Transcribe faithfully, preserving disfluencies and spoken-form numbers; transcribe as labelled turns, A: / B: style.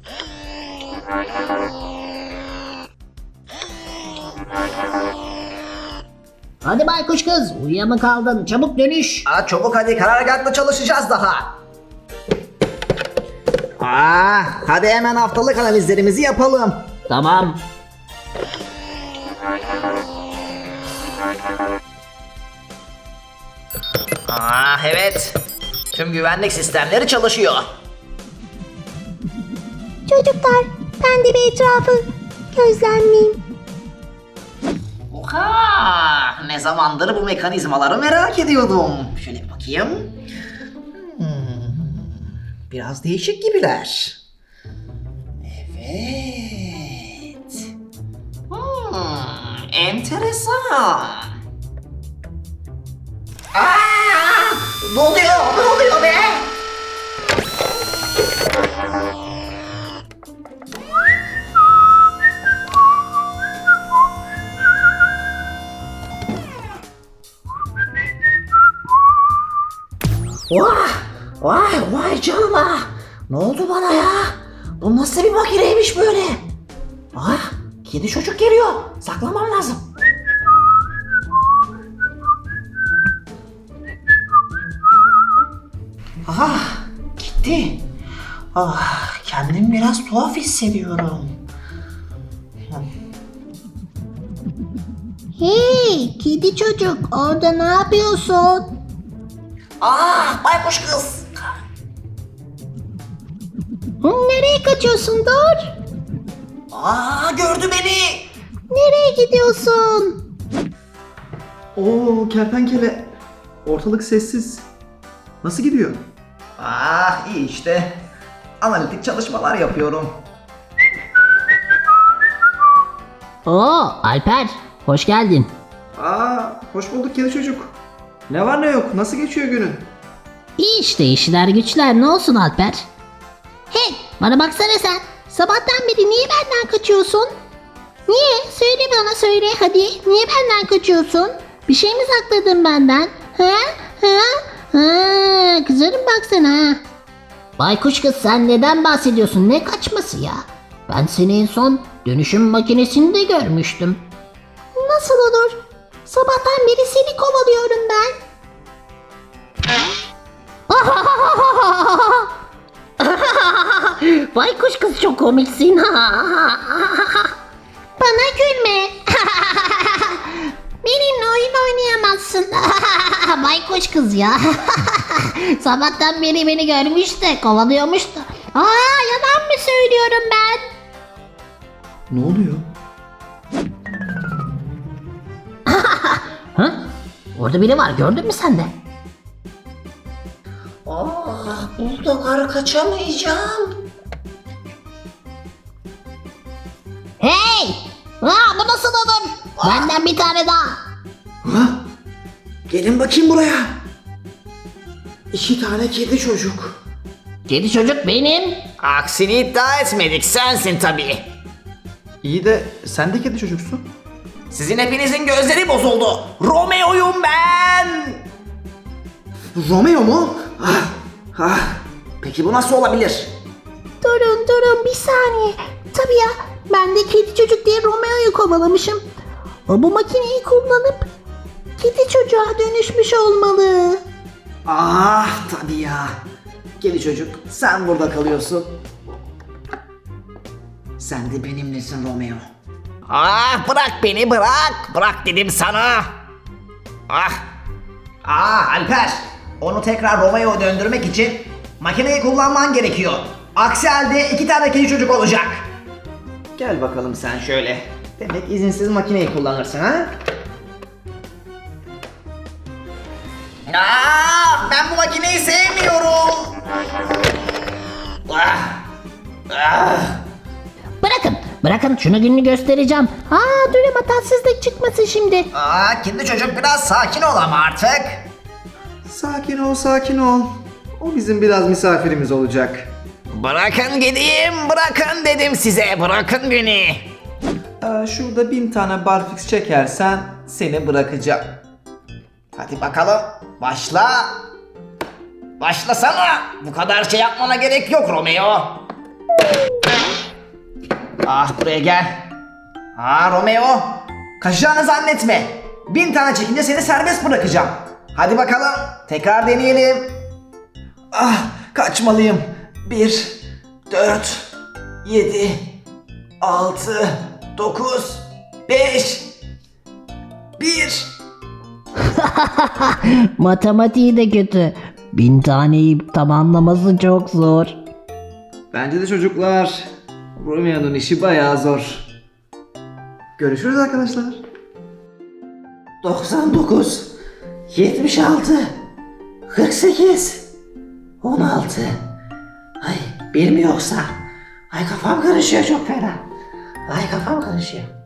A: Hadi baykuş kız, uyuya mı kaldın? Çabuk dönüş.
B: Aa, çabuk hadi, karargahla çalışacağız daha. Aa, hadi hemen haftalık analizlerimizi yapalım.
A: Tamam.
B: Aa, evet. Tüm güvenlik sistemleri çalışıyor.
C: Çocuklar, ben de bir etrafı gözlemleyeyim.
B: Oha! Ne zamandır bu mekanizmaları merak ediyordum. Şöyle bir bakayım. Hmm, biraz değişik gibiler. Evet. Hmm, enteresan. Aa! Ne oluyor? Ne oluyor be? Vay, vay, vay canına. Ne oldu bana ya? Bu nasıl bir makineymiş böyle? Ah, kedi çocuk geliyor. Saklamam lazım. Ah, gitti. Ah, kendimi biraz tuhaf hissediyorum.
C: Hey, kedi çocuk, orada ne yapıyorsun?
B: Ah, baykuş kız.
C: Hı, nereye kaçıyorsun, dur?
B: Aa, gördü beni.
C: Nereye gidiyorsun?
D: Oo kertenkele. Ortalık sessiz. Nasıl gidiyor?
B: Ah, iyi işte. Analitik çalışmalar yapıyorum.
A: Oo Alper, hoş geldin.
D: Aa hoş bulduk kedi çocuk. Ne var ne yok? Nasıl geçiyor günün?
A: İyi işte işler güçler, ne olsun Alper?
C: Hey, bana baksana sen. Sabahtan beri niye benden kaçıyorsun? Niye? Söyle bana, söyle hadi. Niye benden kaçıyorsun? Bir şey mi sakladın benden? Ha? Ha? Ha? Kızarım baksana ha.
A: Baykuş kız, sen neden bahsediyorsun? Ne kaçması ya? Ben seni en son dönüşüm makinesinde görmüştüm.
C: Nasıl olur? Sabahtan beri seni kovalıyorum ben.
A: Baykuş kız, çok komiksin.
C: Bana gülme. Benimle oyun oynayamazsın.
A: Baykuş kız ya. Sabahtan beri beni görmüş de kovalıyormuş da.
C: Aa, yalan mı söylüyorum ben?
D: Ne oluyor?
A: Ha? Orada biri var, gördün mü sen de?
B: Ah, buldogar kaçamayacağım.
A: Hey! Aa, bu nasıl olur? Benden bir tane daha.
D: Ha? Gelin bakayım buraya. İki tane kedi çocuk.
A: Kedi çocuk benim.
B: Aksini iddia etmedik, sensin tabii.
D: İyi de sen de kedi çocuksun.
B: Sizin hepinizin gözleri bozuldu. Romeo'yum ben.
D: Romeo mu? Ah, ah.
B: Peki bu nasıl olabilir?
C: Durun durun bir saniye. Tabii ya, ben de kedi çocuk diye Romeo'yu kovalamışım. O bu makineyi kullanıp kedi çocuğa dönüşmüş olmalı.
B: Ah tabii ya. Kedi çocuk, sen burada kalıyorsun. Sen de benimlesin Romeo. Ah, bırak beni, bırak. Bırak dedim sana. Ah. Ah Alper. Onu tekrar Romeo'ya döndürmek için makineyi kullanman gerekiyor. Aksi halde iki tane kedi çocuk olacak. Gel bakalım sen şöyle. Demek izinsiz makineyi kullanırsın ha? Aa, ben bu makineyi sevmiyorum. Ah. Ah.
A: Bırakın, bırakın şunu gününü göstereceğim.
C: Aa, durun, hatarsızlık çıkmasın şimdi.
B: Aa, kedi çocuk biraz sakin ol ama artık.
D: Sakin ol sakin ol. O bizim biraz misafirimiz olacak.
B: Bırakın gideyim, bırakın dedim size, bırakın beni.
D: Ee, şurada bin tane barfix çekersen seni bırakacağım.
B: Hadi bakalım, başla. Başlasana. Bu kadar şey yapmana gerek yok Romeo. Ah buraya gel. Aa Romeo. Kaçacağını zannetme. Bin tane çekince seni serbest bırakacağım. Hadi bakalım. Tekrar deneyelim. Ah kaçmalıyım. Bir, dört, yedi, altı, dokuz, beş, bir.
A: Matematiği de kötü. Bin taneyi tamamlaması çok zor.
D: Bence de çocuklar. Romeo'nun işi bayağı zor. Görüşürüz arkadaşlar.
B: doksan dokuz, yetmiş altı, kırk sekiz, on altı. Ay bir mi yoksa? Ay kafam karışıyor çok fena. Ay kafam karışıyor.